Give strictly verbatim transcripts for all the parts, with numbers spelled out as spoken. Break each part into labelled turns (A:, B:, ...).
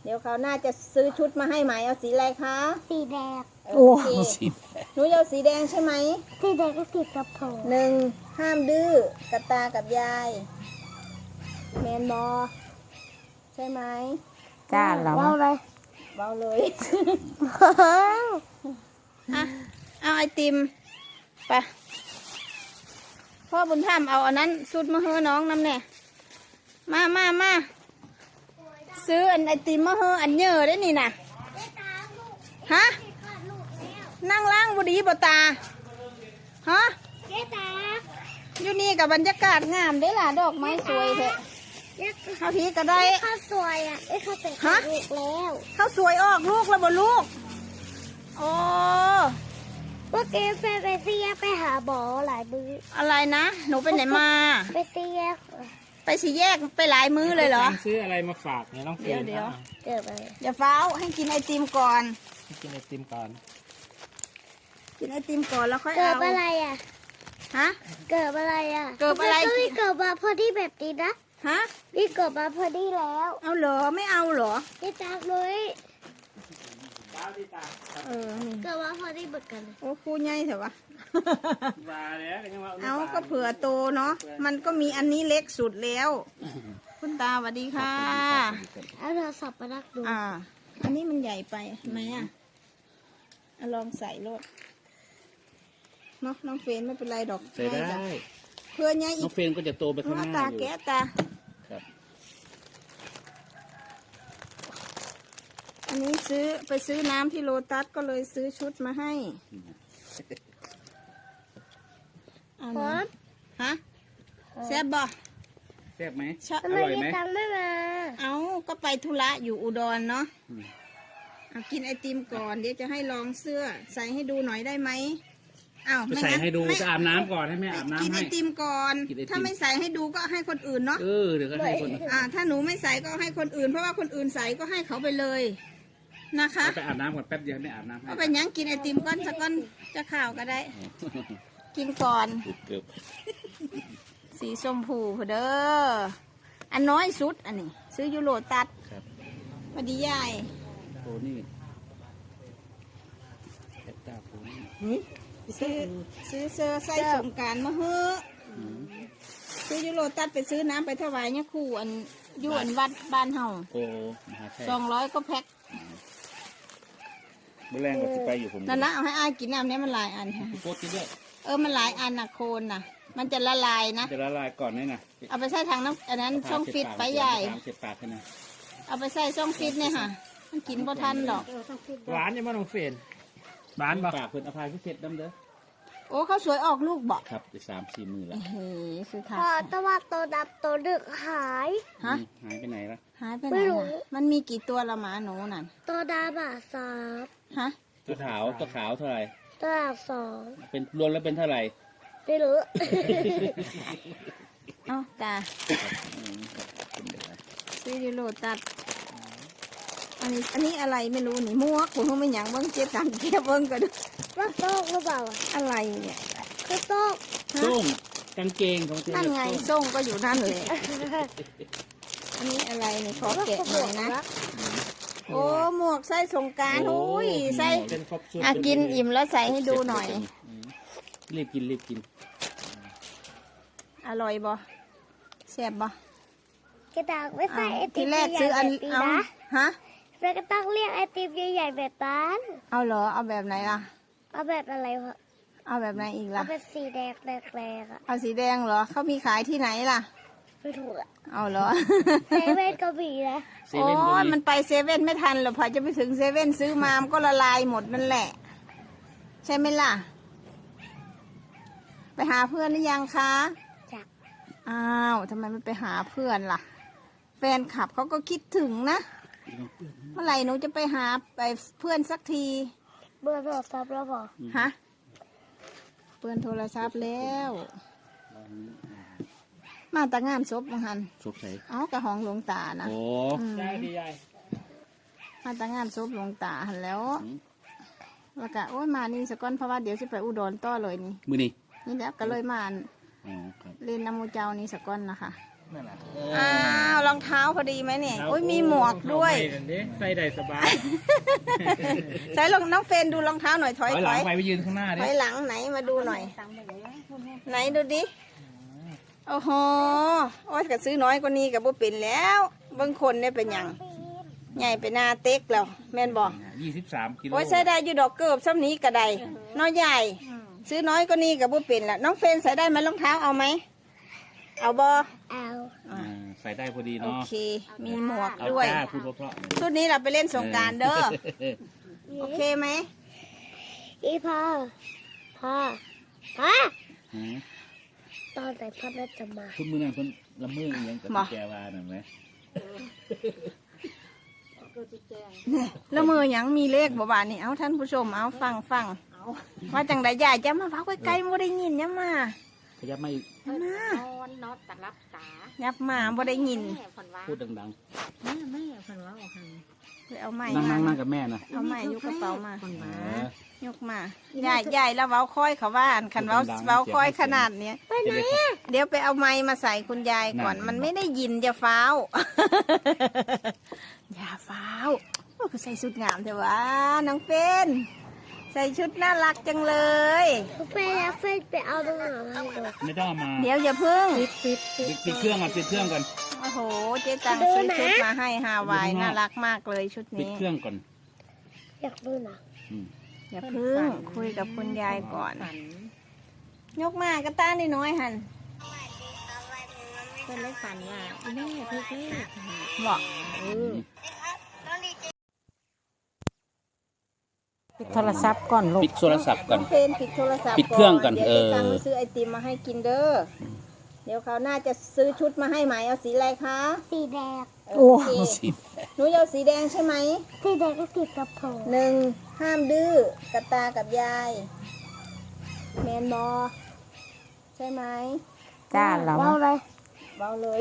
A: เดี๋ยวเขาน่าจะซื้อชุดมาให้ไหมเอาสีอะไรคะ
B: สีแดง
A: โอเคหนูเอาสีแดงใช่ไหม
B: สีแดงก็สีกระโปรง
A: หนึ่งห้ามดื้อกับตากับยายแมนบอใช่ไหม
C: จ้าเรา
B: เบาเลย
A: เบาเลยอ่ะเอาไอติมไปพ่อบุญธรรมเอาอันนั้นสุดมาเฮ้อน้องน้ำเนี่ยมามามาซื้ออันไอติมมาเฮ้ออันเยอะได้นี่นะฮะนั่งล่างบุดีบ่ตาฮะ
B: เจ๊ตา
A: อยู่นี่กับบรรยากาศงามได้ล่ะดอกไม้สวยเถอะเขาพีก็ได้
B: ข้าวสวยอ่ะไอ้ข้าวเป็นลูกแล้ว
A: เขาสวยออกลูกแล้วบ่ลูกโอ้
B: เมื่อกี้ไปไปเสียไปหาหมอหลายมือ
A: อะไรนะหนูไปไหนมา
B: ไปเสีย
A: ไปสี่แยกไปหลายมื้อเลยเหรอ
D: ซื้ออะไรมาฝากเนี่ยน้องเฟียน
A: เดี๋ยว
B: เดี๋ยวไป
A: อย่าเฝ้าให้กินไอติมก่อน
D: ให้กินไอติมก่อน
A: กินไอติมก่อนแล้วค่อยเอา
B: เกิดอะไรอ่ะ
A: ฮะ
B: เกิดอะไรอ่ะ
A: เกิดอะไร
B: ก็นี่เกิดมาพอดีแบบนี้นะ
A: ฮะ
B: นี่เกิดมาพอดีแล้ว
A: เอาเหรอไม่เอาเหรอ
B: นี่ตาเลย
A: เออ
B: เกิดมาพอดีเหมือนกัน
A: โอ้คูใหญ่เถอะวะเอาก็เผื่อโตเนาะมันก็มีอันนี้เล็กสุดแล้วคุณตาสวัสดีค่ะ
B: เอาโทรศัพท์มาดักดู
A: อ่าอันนี้มันใหญ่ไปไหมอ่ะลองใส่รถเนาะน้องเฟนไม่เป็นไรดอก
D: ใส่ได้
A: เพื่อไงอีก
D: น้องเฟนก็จะโตไปข้างหน้า
A: ตาแก้ตาอันนี้ซื้อไปซื้อน้ำที่โลตัสก็เลยซื้อชุดมาให้เอานะฮะแซ่บบ่
D: แซ่บไหม
B: อร่อยไหมตังไม่มา
A: เอาก็ไปธุระอยู่อุดรเนาะเอากินไอติมก่อนเดี๋ยวจะให้ลองเสื้อใส่ให้ดูหน่อยได้ไหมอ้าว
D: ไม่ใส่ให้ดูจะอาบน้ำก่อนให้แม่อาบน้ำให้
A: กินไอติมก่อนถ้าไม่ใส่ให้ดูก็ให้คนอื่นเนาะ
D: เออเดี๋ยวก็ให้คน
A: อ่าถ้าหนูไม่ใส่ก็ให้คนอื่นเพราะว่าคนอื่นใส่ก็ให้เขาไปเลยนะคะ
D: ไปอาบน้ำก่อนแป๊บเดียวไม่อาบน้ำให้
A: ก็เป็นยังกินไอติมก้อนสักก้อนจะข่าวก็ได้กินก่อนสีชมพูเด้ออันน้อยสุดอันนี้ซื้อยูโรตัดพอดีใหญ่
D: โอ้นี่ตาปู
A: นี่ซื้อซื้อเสื้อใส่สงการมาเฮ้อซื้อยูโรตัดไปซื้อน้ำไปถวายเนี่ยคู่อันยูอันวัดบ้านเฮา
D: โอ้
A: สองร้อยก็แพ็ค
D: เมื่อแรงก็จะไปอยู่ผม
A: นั่นนะเอาให้อายกินน้ำนี้มันหลายอันค่ะ
D: โคตรด้วย
A: เออมันหลายอันนะโคนนะมันจะละลายนะ
D: จะละลายก่อนนี่นะ
A: เอาไปใส่ทางน้ำอันนั้นช่องฟิตไปใหญ่เอาไปใส่ช่องฟิตเนี่ยค่ะมันกินบ่ทันหรอก
D: หวานยังไม่ต้องเฟรนหวานปากเพิ่นอภัยพิเศษดำเด้อ
A: โอ้เขาสวยออกลูกบอก
D: ครับจะสามสี่มือแล้ว
A: เฮ้ยคือค่ะ
B: พอตะวันตัวดำตัวดึกหาย
A: ฮะ
D: หายไปไหนละ
A: หายไปไหนมันมีกี่ตัวละหมาหนูนั่น
B: ตัวดำอ่ะสาม
A: ฮะ
D: ตัวขาวตัวขาวเท่าไหร่
B: ตัวขาวสอง
D: เป็นรวมแล้วเป็นเท่าไหร่
B: ไม่รู้
A: เอ้าตาซื้อยูโรตัดอันนี้อันนี้อะไรไม่รู้นี่มั่วผมไม่หยังเบิ้งเจ็บตังเก็บเบิ้งกัน
B: ว่าโต๊ะหรือเปล่า
A: อะไรเนี่ย
B: คือโต๊ะ
D: ส่งกางเกงของ
A: นั่นไงส่งก็อยู่นั่นเลยอันนี้อะไรนี่ขอแกะหน่อยนะโอ้หมวกใส่สงการโอ้ยใส่อ่ะกินอิ่มแล้วใส่ให้ดูหน่อย
D: รีบกินรีบกิน
A: อร่อยบ่แซ่บบ่
B: กระดาษไม่ใส่ไอติม
A: ทีแรกซื้ออันเอาฮะ
B: แล้วก็ต้องเรียกไอติมใหญ่ๆแบบนั้น
A: เอาเหรอเอาแบบไหนล่ะ
B: เอาแบบอะไรวะ
A: เอาแบบไหนอีกล่ะ
B: เอาเป็นสีแดงแดงๆอ่ะ
A: เอาสีแดงเหรอเขามีขายที่ไหนล่ะ
B: ไม่ถูกอ่ะ
A: เอาเหรอ
B: เซเว่นก็มีนะ
A: โอ้ยมันไปเซเว่นไม่ทันหรอกพอจะไปถึงเซเว่นซื้อมามันก็ละลายหมดนั่นแหละใช่ไหมล่ะไปหาเพื่อนหรือยังคะ
B: จ้ะ
A: อ้าวทำไมไม่ไปหาเพื่อนล่ะแฟนคลับเขาก็คิดถึงนะเมื่อไหร่หนูจะไปหาไปเพื่อนสักที
B: เบอร์โทรศัพท์แล้วเปล่า
A: ฮะเพื่อนโทรศัพท์แล้วมาแต่งานศพมังหัน
D: ศพใส่
A: อ๋อกระหองหลวงตานะ
D: โอ้ใช่ดีใหญ่
A: มาแต่งานศพหลวงตาหันแล้วแล้วก็โอ้ยมานี่สก้อนเพราะว่าเดี๋ยวจะไปอุดรต่อเลยนี่
D: มือนี่
A: นี่แล้วก็เลยมาเรียนนโมเจ้านี่สก้อนนะคะ
D: นั่นแหละ
A: อ้าวรองเท้าพอดีไหมเนี่ยโอ้ยมีหมวกด้วย
D: ใส่ได้สบาย
A: ใส่ลองน้องเฟนดูรองเท้าหน่อยถอย
D: ถอยห
A: ถ
D: ลั
A: อง ย
D: ไปไปยืนข้างหน้า
A: ถ
D: ดิ
A: อยหลังไหนมาดูหน่อย ไหนดูดิโอ้โหโอ้ยก็ซื้อน้อยกว่านี้กับบ่เป็นแล้วบางคนเนี่ยเป็นหยังใหญ่ไปหน้าเต็กแล้วแม่นบอก
D: ยี่สิบสามกิโล
A: โอ้ยใส่ได้อยู่ดอกเกิบซ้ำนี้กระไดน้อยใหญ่ ซื้อน้อยกว่านี้กับบ่เป็นละน้องเฟนใส่ได้ไหมรองเท้าเอาไหมเอาบอ
B: เอา
D: อ่าใส่ได้พอดี
A: โอ
D: เนาะ
A: เค มีหมวก
D: เอา
A: ด้วย
D: จ้าพูดเพราะๆ
A: ชุดนี้เราไปเล่นสงกรารเด้อโอเคไหม
B: อีพ่อพ่อพ่อ
D: หือ
B: ตอนไหนพ่อน่าจะมา
D: คุณมือนั่นคนละมืออีหยังกับแกวานั่นไหม
A: เนี่ยแล้วมือหยังมีเลขบ่บานนี่เอาท่านผู้ชมเอาฟังฟังว่าจังใดใหญ่จะมาเฝ้าใกล้ๆบ่ได้ยินยับมา
D: ขยับไม่
A: ยับมา
C: นอนนอนตะรับตา
A: ยับมาบ่ได้ยิน
C: แม่ผนว่า
D: พูดดัง
C: แม่แม่ผนว่าออกหัน
A: ไปเอาไม้
D: ๆนั่ง
A: มา
D: นั่งนั่งกับแม่นะ
A: เอาไม้ยกกระเป๋ามา
C: ผน
D: เอ
C: ว่า
D: อย
A: กมาใหญ่ใหญ่แล้วเว้าค่อยเขาว่าอันคันเว้า
D: ดังๆ
A: เว้าค่อย
D: เสียง
A: ขนาดเนี้ย
B: ไปไหนอะ
A: เดี๋ยวไปเอาไม้มาใส่คุณยายก่อน
D: นั่น
A: มันไม่ได้ยินจะฟ้าว อย่าฟ้าวโอ้คือใส่ชุดงามเถอะวะน้องเฟนใส่ชุดน่ารักจังเลย
B: เฟนแล้วเฟนไปเอาตรงไหนให้ดู
D: ไม่ต้องเอามา
A: เดี๋ยวอย่าเพิ่ง
B: ปิดปิดปิด
D: ปิดปิดเครื่องก่อนปิดเครื่องก่อน
A: โอ้โหเจ๊ตังซื้อชุดมาให้ฮาวายน่ารักมากเลยชุด
D: ปิด
A: นี้
D: เครื่องก่อน
B: อยากดูหนะ
D: อืม
A: อย่าเพิ่งคุยกับคุณยายก่อน ยกมากระต้านน้อยๆหัน
C: เพื่อนเลยฝันว่าแม่พี่พี่
A: บอก
C: ปิดโทรศัพท์ก่อนลูก
D: ปิดโทรศัพท์ก่อน
A: เฟนปิดโทรศัพท์
D: ปิดเครื่องก่อน
A: เดี๋ยว
D: เออ
A: เจ๊ตังไปซื้อไอติมมาให้กินเด้อเดี๋ยวเขาวหน่าจะซื้อชุดมาให้ไหมเอาสีอะไรคะ
B: สีแดง
A: โอเค
D: สิ
A: หนูจะเอาสีแดงใช่ไหม
B: สีแดงก็ติดกระโปรง
A: หนึ่งห้ามดื้อกับตากับยายแมนบอใช่ไหม
C: จ้าเรา
B: ว้าวเลย
A: เบาเลย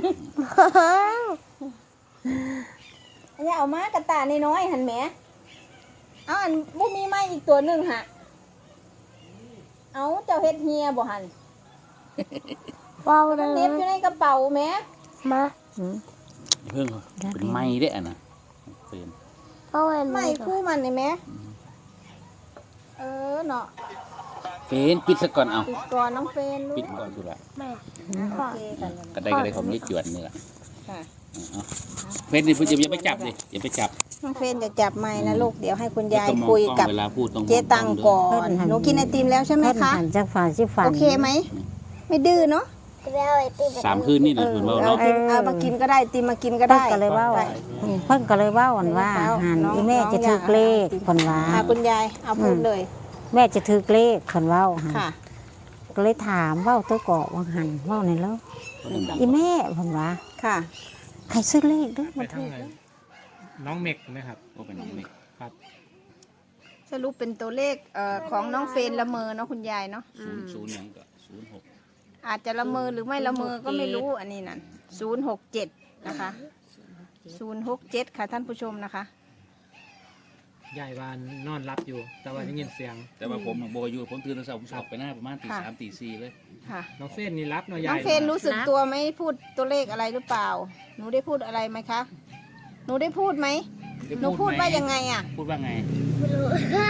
A: อันนี้เอามากระตาน้อยๆหันแหมเอาอันบุมีไม้อีกตัวหนึ่งฮะเอาเจ้าเฮ็ดเฮียบ่หัน
B: ว้าวเล
A: มัน
B: ย
A: เน็บอยู่ในกระเป๋าแหม
B: มา
D: เพิ่งเป็นไม้ได้อ่ะนะเปลี่ยน
B: ว้าวเลย
A: ไม้คู่มันนี่แหมเออเนาะ
D: เฟนปิดซะก่อนเอา
A: ปิดก่อนน้องเฟนลูก
D: ปิดก่อนดูละ
B: แม่
A: โอเคกัน
D: ก็ได้ก็ได้ของนี้จวนนี่แหละ
A: ค่ะ
D: เอาเฟนนี่พูดอย่าไปจับดิอย่าไปจับ
A: น้องเฟนจะจับไม้นะลูกเดี๋ยวให้คุณยาย
D: ต้องมอง
A: คุย
D: กล้อง
A: กับ
D: เวลาพูดต้องมอง
A: เจ๊ตัง
D: ล้
A: ก่อ
D: ด้วย
A: นหนูกินไอติมแล้วใช่ไหม
C: เพื่อน
A: คะ
C: หันจากฝันสิฝัน
A: โอเคไหมไม่ดื้อเนาะ
B: แล้วไอติม
D: สามคืนนี่แห
A: เอ
D: ละ
A: อ
D: คุณว่า
A: เอา
D: เนาะ
A: ติมเอามากินก็ได้ติมมากินก็
C: เพิ่น
A: ได้
C: ก็เลยเว่า
A: ได้
C: เพิ่นก็เลยเว่าอันว่าหันอีแม่จะถือเลขคนว่า
A: อ่ะคุณยายเอาพูดเลย
C: แม่จะถือเลขคนเว่าหัน
A: ค่ะ
C: ก็เลยถามเว่าตัวเกาะว่าหันเว่าในแล้วอีแม่คนว่า
A: ค่ะ
C: ใครซื้อเลขเด้วย
E: ไป
C: มัน
E: ทางไหนน้องเมกนะครับ
D: โอ้เป็นน้องเล็ก
E: ครับ
A: สรุปเป็นตัวเลขเอ่อของน้องเฟนละเมอเนาะคุณยายเนาะ
D: ศูนย์ศูนย์หยังก็ศูนย์หก
A: อาจจะละเมอหรือไม่ละเมอก็ไม่รู้อันนี้นั่นศูนย์หกเจ็ดนะคะศูนย์หกเจ็ดค่ะท่านผู้ชมนะคะ
E: ยายวานนอนรับอยู่ แต่ว่าได้ยินเสียง
D: แต่ว่าผมโบอยู่ผมตื่นตอนเช้าผมสอบไปหน้าประมาณตี
A: ค่ะ
D: สามตีสี่เลย
A: ค่ะ
E: น้องเฟนนี่รับเนาะยาย
A: น้องเฟนรู้สึกตัวไหมพูดตัวเลขอะไรหรือเปล่า หนูได้พูดอะไรไหมคะ หนูได้พูดไหมหนูพูดว่ายังไงอ่ะ
D: พูดว่าไง
B: ไม่รู้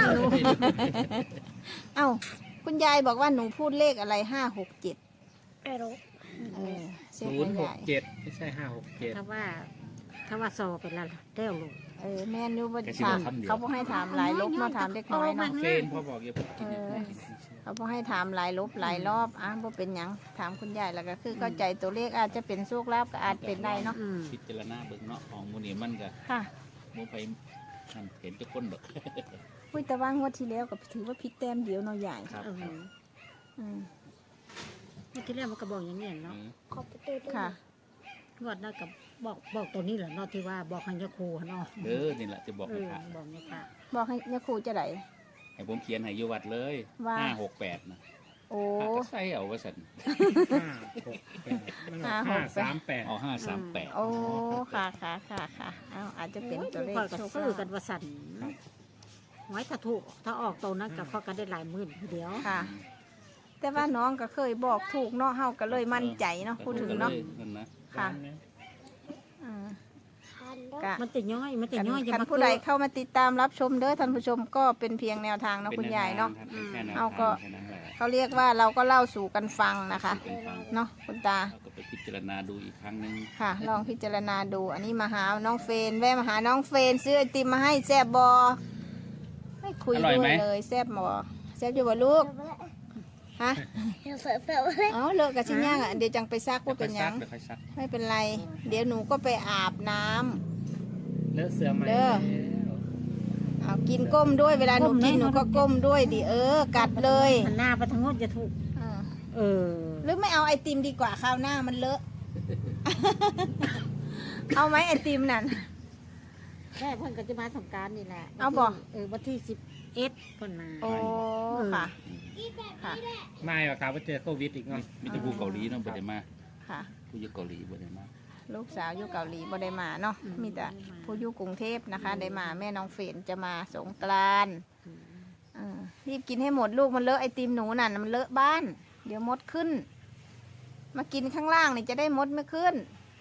A: เอ้าคุณยายบอกว่าหนูพูดเลขอะไรห้าหกเจ็ด
B: ไม่รู้
A: เออเสีย
E: ศู
A: คุ
E: น
A: ณ
E: ย์หก
A: ยาย
E: เจ็ดไม่ใช่ห้าหกเจ็ด
C: ถ้าว่า ถ้าว่าสอบเป็นละเด้วลูก
A: เออแม่นอยูบ่ถามเขาบอกให้ถามหลายลบเนาะถามเด็กน้อยเนาะ
D: เฟนพอบอกอย่าพูดกินเนี่ย
A: เออ เขาบอกให้ถามหลายลบหลายรอบอ่ะบ่เป็นหยังถามคุณยายแล้วก็คือเข้าใจตัวเลขอาจจะเป็นโชคลาภก็อาจเป็นได้เนาะ
C: อืม
D: พิจารณาเบิ่งเนาะของมูนี่มันก็
A: ค่ะ
D: โมไปนั่นเห็นทุกคนดอก
A: อุ้ยแต่ว่างวดที่แล้วก็ถือว่าพลิกแต้มเดียวเนาะใหญ่
D: ครับ
C: เออ
A: อืม
C: เมื่อที่แรกมันก็บอกอย่างนี้เนาะ
B: ขอบประตูด้วย
A: ค่ะ
C: งวดนั้นก็บอกบอกตัวนี้แหละเนาะที่ว่าบอกให้ยาคูเนาะ
D: เออนี่แหละจะบอก
C: เอ
D: ให้
C: อ
D: พระ
C: บอกนี่ค่ะ
A: บอกให้ยาครูจะไหน
D: ให้ผมเขียนให้อยู่วัดเลย
A: ว่า
D: ห้าหกแปดนะ
A: โอ้
D: พระก็ใส่เอาว่าสัน
E: ห้าหกแปดมันออก
A: ห้า
E: ห้า
A: หกแปด
E: สามแปด
D: เอาห้าสามแปด
A: โอ้ค่ะค่ะค่ะค่ะเอาอาจจะเป็นตัวเลข
C: ข้อยก็
A: โชค
C: ซื้อ
A: ลา
C: กัน
A: ภ
C: ว่าสั่นไว้ถ้าถูกถ้าออกตัวนั้นกับข้อยก็ได้หลายหมื่นทีเดียว
A: ค่ะแต่ว่าน้องก็เคยบอกถูกเนาะเฮาก็เลยมั่นใจเนาะพูดถึงเนาะ
D: นั่นนะ
A: ค่ะอ่า
B: ทันเด้อ
A: ก็
C: มันจะย่อยมันจะ
A: คัน
C: ย่อยอย่า
A: คัน
C: มา
A: ผู้ใดเข้ามาติดตามรับชมเด้อท่านผู้ชมก็เป็นเพียงแนวทางเนาะคุณยายเนาะ
D: ป็แค่แนว
A: เอา
D: ทาง
A: ก็
D: แค่นั้นแหละ
A: เขาเรียกว่าเราก็เล่าสู่กันฟังนะคะ
D: เป็นฟัง
A: เนาะคุณตา
D: เราก็ไปพิจารณาดูอีกครั้งหนึ่ง
A: ค่ะ ลองพิจารณาดู อันนี้มาหาน้องเฟนแวะมาหาน้องเฟนซื้อไอติมมาให้แซบบอไม่คุยด้วยเลยแซบบอแซบอยู่บ่ลูกฮะ
B: เดี๋ยวเสิร์ฟเสิร์ฟเลย
A: เอาเลิกกับชิ้นย่างอ่ะเดี๋ยวจังไปซักว่าเป็นหยัง
D: เดี๋ยวค่อยซัก
A: ไม่เป็นไร เดี๋ยวหนูก็ไปอาบน้ำ
E: เลอะเสือไหม
A: เด้อ เอากินก้มด้วยเวลาหนูกินหนูก็ก้มด้วยดิเออ กัดเลย
C: หันหน้าไปทางโน้นจะถูก
A: อ่า
C: เออ
A: หรือไม่เอาไอติมดีกว่าคราวหน้ามันเลอะ เอาไหมไอติมนั่น
C: แม่เพิ่นก็จะมาสงกรารนี่แหละ
A: เอาบ่
C: เออวันที่สิบเอ็ดเพิ่นมา
A: โอ้ค่ะ ค่ะ
E: ไม่หรอกครับว่าเจอโควิดอีกเนาะ
D: มีแต่ผู้เกาหลีเนาะบ่ได้มา
A: ค่ะ
D: ผู้อยู่เกาหลีบ่ได้มา
A: ลูกสาวอยู่เกาหลีบ่ได้มาเนาะ มีแต่ผู้อยู่กรุงเทพนะคะ ได้มาแม่น้องเฟรนจะมาสงกรานต์เออรีบกินให้หมดลูกมันเลอะไอติมหนูน่ะมันเลอะบ้าน เดี๋ยวมดขึ้น มากินข้างล่างนี่จะได้มดไม่ขึ้น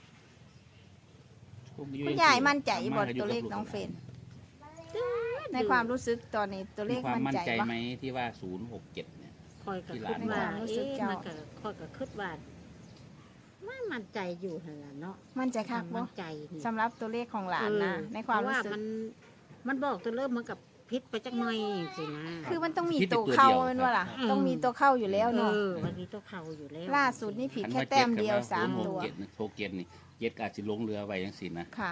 A: คุณยายมั่นใจบ่ตัวเลขน้องเฟรนในความรู้สึกตอนนี้ตัวเล
D: มี
A: ข
D: ความ
A: มั่น
D: มั่น
A: ใจ
D: ใจ
A: ปะ
D: ไหมที่ว่าศูนย์หกเจ็ดเนี่ย
C: คอยกับ
D: ที่
C: คิด
D: หลาน
C: ว่า
A: บอกรู้สึ
C: เอ๊ะ
A: กเจ้า
C: มันก็คอยกับคิดว่าไม่มั่นใจอยู่หั่นล่ะเนาะ
A: มั่นใจคักบ่
C: มั่นใจนี่
A: สำหรับตัวเลขของหลานนะ
C: เออ
A: ในความ
C: เพะ
A: รู้สึก
C: มัน มันบอกตัวเริ่มเหมือนกับพิษไปจักหน่อยสินะ
A: คือมันต้องมี
D: ผิดแต่
A: ตัว
D: ตัว
A: เข้า
D: เดียว
A: เป็นว่าล่ะ
C: อืม
A: ต้องมีตัวเข้าอยู่แล้วเนาะ
C: เออมันมีตัวเข่าอยู่แล้ว
A: ล่าสุดนี่ผิด
D: อัน
A: แค่
D: ว่า
A: แต้มเดียว
D: จ็
A: สาม
D: กับ
A: ตัว
D: ศูนย์หกเจ็ดนี่หกเจ็ดนี่เจ็ดก็อาจจะลงเรือไว้จังซี่นะ
A: ค่ะ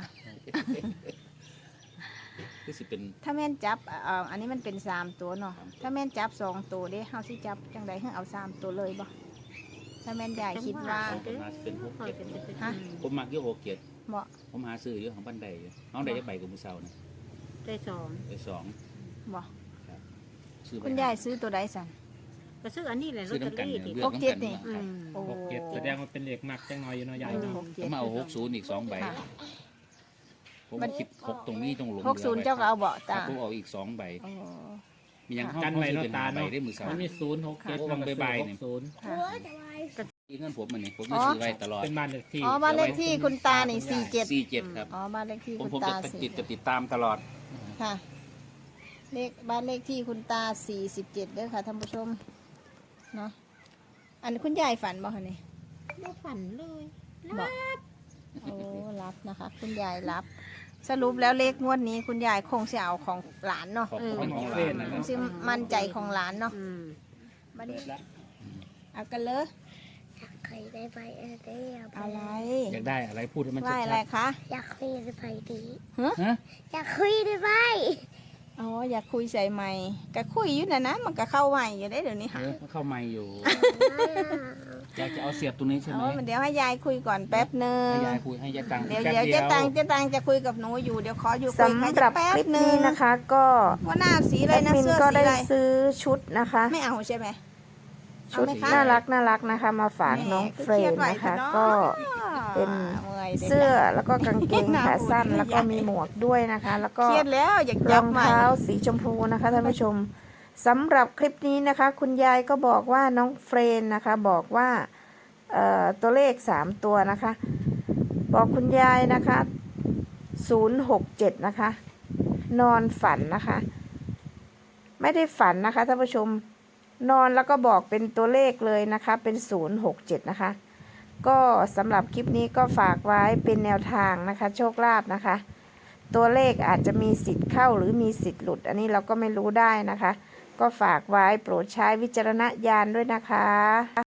D: คือสิเป็น
A: ถ้าแม่นจับเอ่ออันนี้มันเป็นสามตัวเนาะ ถ้าแม่นจับสองตัวเด้เฮาสิจับจังใดให้เอาสามตัวเลยบ่ถ้าแม่นยายคิดว่า
D: ของผมหาเป็นหก
C: คอย
D: เจ็ด
C: กันจะเป็น
A: ฮะ
D: ผมมักอยู่หกเจ็ด
A: เหมาะ
D: ผมหาซื้ออยู่ของบ้านใดอยู่น้องใดจะใบกับมือเสานะ
C: ได้สอง
D: ไปสอง
A: บ่
D: ซื้อไป
A: คุณยายซื้อตัวใดสั่น
C: ก็ซื้ออันนี้แหละลอ
D: ซื้อ
C: ตเตอ
D: น้ำกัน
C: รี่
D: เนี่ย
C: ดิ
D: เลือก
A: หกเจ็ด
D: น้ำกัน
A: นี่
C: อื
D: ครับ
C: ม
A: โอ้
E: หกเจ็ดแสดงว่าเป็นเหล็กหนักจังน้อยอยู่เนาะใหญ่
A: เออ
E: เนาะ
A: หกเจ็ด
D: ผมเอาหกศูนย์อีกสองใบ
A: ค่ะ
D: ผมคิดหกตรงนี้ตรงหลง
A: หกศูนย์เจ้าก็เอาเบาะ
D: ครั
A: ตา
D: บผมเอาอีกสองใบ
A: โอ้
D: มียัง
A: ค่ะ
D: เข้า
E: กัน
D: เข้า
E: ไว้
D: ซื้อ
E: เนาะ
D: เป็น
E: ตา
D: หาใบ
E: เนาะ
D: ได้มือเสา
E: มันมีศูนย์หกเจ็ด
D: โอ้บางใบๆเนี่ย
E: ศูนย์
A: ค่ะ
B: หัวจะไว้
D: ที่เงินผมอันนี้ผม
A: อ๋
D: จะ
A: อ
D: ซื้อไว้ตลอด
E: เป็นบ้านเลขที่
A: อ๋อบ้านเลขที่คุณตานี่สี่เจ็ด
D: สี่เจ็ดครับ
A: อ๋อบ้านเลขที่
D: ผม
A: คุณ
D: ผม
A: ตา
D: จะ
A: สี่
D: ติดจะติดตามตลอด
A: ค่ะ เลขบ้านเลขที่คุณตาสี่สิบเจ็ดเด้อค่ะท่านผู้ชม เนาะ อันคุณยายฝันบ่คะนี่
C: ไม่ฝันเลย
A: บอกโอ้รับนะคะ คุณยายรับ สรุปแล้วเลขงวดนี้คุณยายคงจะเอาของหลานเนาะ
D: ของ
C: เออ
D: ของของ
E: เฟ
D: ร้าน
E: นนะ
A: ค
E: ครั
A: ง
E: บ
A: จะมั่นใจของหลานเนาะ
C: อืม
A: มาดิเอากันเลย
B: อยากเคยได้ไปเออได้อยาก
A: อะไร
D: อยากได้อะไรพูดให้มัน
A: ไหว
D: ชั
A: อะไร
D: ด
A: คะ
B: อยากคุยได้ไปดี
D: ๆฮะ
B: อยากคุยได้ไป
A: อ๋ออยากคุยใส่ไม้ก็คุยอยู่นะนะมันก็เข้าใหม่อยู่ได้เดี๋ยวนี้
D: เอ
A: ค่ะ
D: อเข้าไม่อยู่ อยากจะเอาเสียบตรงนี้ใช่ไหม
A: เอาเดี๋ยวให้ยายคุยก่อนแป๊บหนึ่ง
D: ให้ยายคุยให้ยายตังค์
A: เดี๋ยว
D: แป๊บ
A: เดี๋ยว
D: เดี
A: เจ๊
D: ยว
A: ตังเจ๊ตังจะคุยกับหนูอยู่เดี๋ยวขออยู่คุย
C: สำ
A: กัน
C: หรับ
A: แป๊บ
C: คลิป
A: หนึ่
C: นี้
A: ง
C: นะคะก็
A: ว่าหน้าสีอะไร
C: แอด
A: นะ
C: มิน
A: เสื้อ
C: ก็
A: สี
C: ได้
A: อะไร
C: ซื้อชุดนะคะ
A: ไม่เอาใช่ไหม
C: ชุด
A: เอาไหมคะ
C: น่ารักน่ารักนะคะ มาฝากน้องเฟรนนะคะ ก็ เป็น เสื้อแล้วก็กางเกงขาสั้น แล้วก็มีหมวกด้วยนะคะ แล้วก็
A: เครียดแล้วอยาก
C: ร
A: จั
C: อบ ง
A: ใหม่
C: เท้าสีชมพูนะคะท่านผู้ชมสำหรับคลิปนี้นะคะ คุณยายก็บอกว่าน้องเฟรนนะคะ บอกว่าเอ่อตัวเลขสามตัวนะคะ บอกคุณยายนะคะศูนย์หกเจ็ดนะคะ นอนฝันนะคะ ไม่ได้ฝันนะคะท่านผู้ชมนอนแล้วก็บอกเป็นตัวเลขเลยนะคะ เป็นศูนย์หกเจ็ดนะคะ ก็สำหรับคลิปนี้ก็ฝากไว้เป็นแนวทางนะคะ โชคลาภนะคะ ตัวเลขอาจจะมีสิทธิ์เข้าหรือมีสิทธิ์หลุด อันนี้เราก็ไม่รู้ได้นะคะ ก็ฝากไว้โปรดใช้วิจารณญาณด้วยนะคะ